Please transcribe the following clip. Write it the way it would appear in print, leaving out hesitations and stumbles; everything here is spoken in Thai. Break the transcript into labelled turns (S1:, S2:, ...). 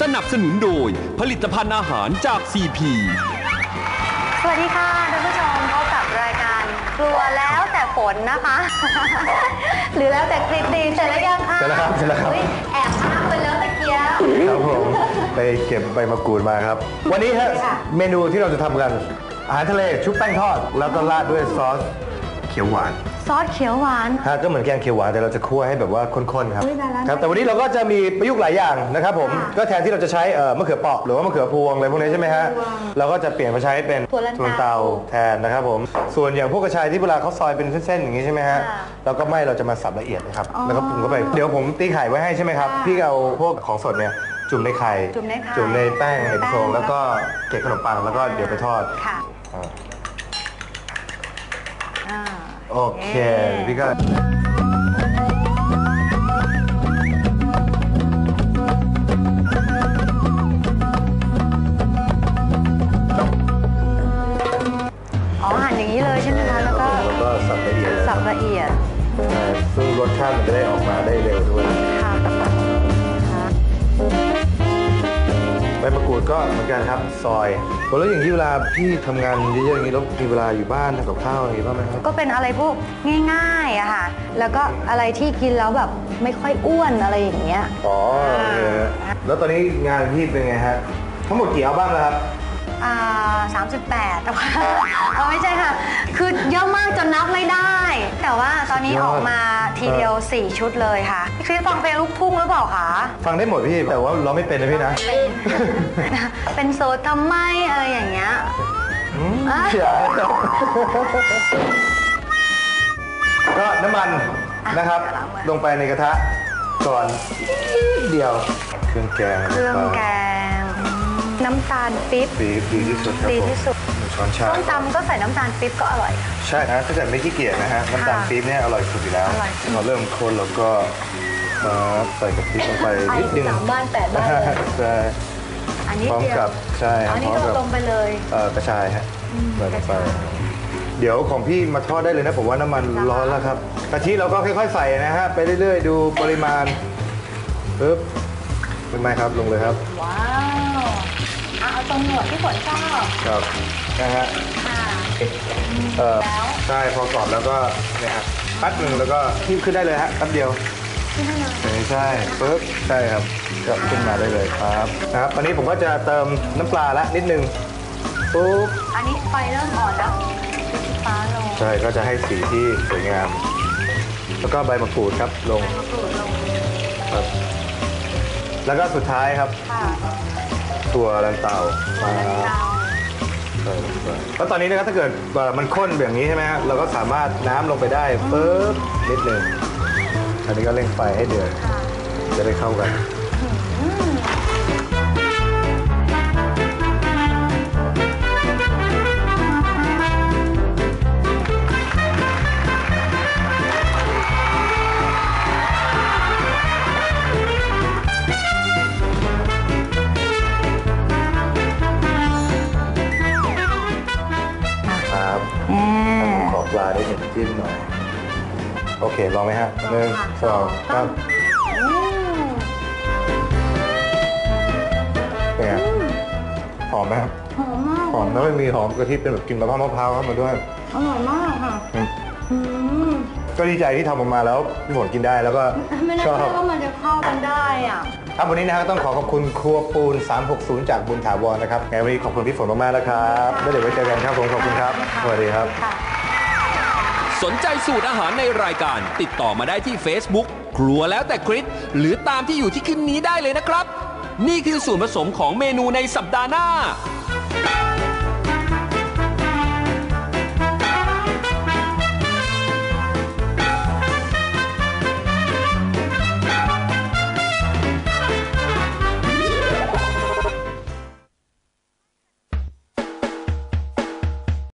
S1: นับสนุนโดยผลิตภัณฑ์อาหารจาก CP
S2: สวัสดีค่ะท่านผู้ชมพบกับรายการกลัวแล้วแต่ฝนนะคะ หรือแล้วแต่คลิปดีเสร็จแล้วยังคะ
S3: เสร็จแล้วครับเสร็จแล้วครับ
S2: แอบอ้างไปแล้วตะเกียบ
S3: ครับผมไปเก็บใบมะกรูดมาครับ วันนี้ฮะเมนูที่เราจะทำกันอาหารทะเลชุบแป้งทอด แล้วก็ราดด้วยซอสเขียวหวาน
S2: ซอสเขียวหวาน
S3: ฮะก็เหมือนแกงเขียวหวานแต่เราจะคั่วให้แบบว่าข้นๆครับ
S2: อุ๊ยได้แล้ว
S3: ครับแต่วันนี้เราก็จะมีประยุกต์หลายอย่างนะครับผมก็แทนที่เราจะใช้มะเขือเปราะหรือว่ามะเขือพวงอะไรพวกนี้ใช่ไหมฮะเราก็จะเปลี่ยนมาใช้เป็น
S2: ถั่วลันเตา
S3: แทนนะครับผมส่วนอย่างพวกกระชายที่เวลาเขาซอยเป็นเส้นๆอย่างนี้ใช่ไหมฮะ
S2: ค่ะ
S3: เราก็ไม่เราจะมาสับละเอียดนะครับ
S2: อ๋อ
S3: แล้วก็ปรุงเข้าไปเดี๋ยวผมตีไข่ไว้ให้ใช่ไหมครับ
S2: ค่ะ
S3: พี่เอาพวกของสดเนี่ยจุ่มในไข่
S2: จุ่มในไข่
S3: จุ่มในแป้งในโฟม
S2: แป้ง
S3: แล้วก็เกล็ดขนมปังแล้วก็เดี๋ยวไปทอด
S2: ค่ะ
S3: อ่า
S2: อ่า
S3: โอเคพี่ก็
S2: อ๋อหั่นอย่างนี้เลยใช่ไหมคะแล้วก็
S3: สับละเอียดเลย
S2: สับละเอียด
S3: ใช่ซึ่งรสชาติมันจะได้ออกมาได้เร็วด้วย
S2: ค่ะค่ะ
S3: ใบมะกรูดก็เหมือนกันครับซอยแล้วอย่างที่เวลาพี่ทำงานเยอะๆอย่างนี้แล้วมีเวลาอยู่บ้านทำกับข้าวอย่างนี้บ้างไหมครับ
S2: ก็เป็นอะไรพวกง่ายๆอะค่ะ แล้วก็อะไรที่กินแล้วแบบไม่ค่อยอ้วนอะไรอย่างเงี้ย
S3: อ๋อโอเคฮะแล้วตอนนี้งานพี่เป็นไงฮะทั้งหมดกี่อัลบั้มแล้วครับ
S2: 38แต่ว่าไม่ใช่ค่ะ คือเยอะมากจนนับไม่ได้ แต่ว่าตอนนี้ออกมาทีเดียว 4 ชุดเลยค่ะพี่คริสฟังเพลงลูกทุ่งหรือเปล่าคะ
S3: ฟังได้หมดพี่แต่ว่าร้องไม่เป็นนะพี่นะ
S2: เป็นโสดทำไมอะไรอย่างเงี้ย
S3: เชื่อก็น้ำมันนะครับลงไปในกระทะก่อนนิดเดียวเครื่องแกง
S2: เครื่องแกง น้ำตาลปี๊บ
S3: ดีที่สุดครับ
S2: ดี
S3: ผม
S2: ที่สุด
S3: หนึ่งช้อนชา
S2: ส้มตำก็ใส่น้ำตาลปี๊บก็อร่อยค่ะ
S3: ใช่นะถ้าเกิดไม่ขี้เกียจนะฮะน้ำตาลปี๊บเนี่ยอร่อยสุดอยู่แล้ว
S2: อร่อยสุด
S3: พอเริ่มข้นแล้วก็ใส่กะทิลงไปนิดนึง
S2: 3 บ้าน 8 บ้านเลย
S3: ใช่
S2: อันนี้
S3: พร้อม
S2: เดียว
S3: กับใช่
S2: อันนี้
S3: พร้อม
S2: เรา
S3: กับ
S2: ลงไปเลย
S3: กระชายฮะใส่ลงไปเดี๋ยวของพี่มาทอดได้เลยนะผมว่าน้ำมันร้อนแล้วครับกะทิเราก็ค่อยๆใส่นะฮะไปเรื่อยๆดูปริมาณปึ๊บเป็นไหมครับลงเลยครับ
S2: ว้าวเอาตรงหนวดที่ฝนชอบ
S3: ครับนะฮะ
S2: ค่ะ แล้ว
S3: ใช่พอกรอบแล้วก็เนี่ยฮะแป๊บหนึ่งแล้วก็ทิ้มขึ้นได้เลยฮะแป๊บเดียว
S2: ที่นั่นเลย
S3: ใช่ปึ๊บใช่ครับก็ขึ้นมาได้เลยครับนะครับอันนี้ผมก็จะเติมน้ำปลาละนิดนึงปุ๊บ
S2: อันนี้ไฟเริ่มอ่อนแล้วสีฟ้าลง
S3: ใช่ก็จะให้สีที่สวยงาม แล้วก็ใบมะกรูดครับลง
S2: มะกรูดลง
S3: ครับแล้วก็สุดท้ายครับ
S2: ค่ะ
S3: ตัวลันเตามา
S2: เตา
S3: ใส่ลงไปแล้วตอนนี้นะครับถ้าเกิดมันข้นแบบนี้ใช่ไหมฮะเราก็สามารถน้ำลงไปได้ปึ๊บนิดนึงอันนี้ก็เร่งไฟให้เดือด
S2: ค่ะ
S3: จะได้เข้ากัน ครับ ขอปลาได้หนึ่งจิ้มหน่อย โอเค ลองไหมฮะหนึ่งสองสาม
S2: อืม
S3: เป็นไงหอมไหมครับ
S2: หอมมาก
S3: หอมแล้วไม่มีหอมกะทิเป็นแบบกลิ่นมะพร้าวเข้ามาด้วย
S2: อร่อยมากค่ะ
S3: อืม
S2: อืม
S3: ก็ดีใจที่ทำออกมาแล้วพี่ฝนกินได้แล้วก็
S2: ไม่น่า
S3: ชอบ
S2: เชื่อว่ามันจะเข้ากันได้อ่ะ
S3: ครับวันนี้นะครับต้องขอขอบคุณครัวปูน 360 จากบุญถาวรนะครับไงวันนี้ขอบคุณพี่ฝนมากๆแล้วครับแล้วเดี๋ยวไว้เจอกันครับผมขอบคุณครับสวัสดีครับ
S2: ค่ะ
S1: สนใจสูตรอาหารในรายการติดต่อมาได้ที่ Facebook ครัวแล้วแต่คริสหรือตามที่อยู่ที่ขึ้นนี้ได้เลยนะครับ นี่คือส่วนผสมของเมนูในสัปดาห์หน้า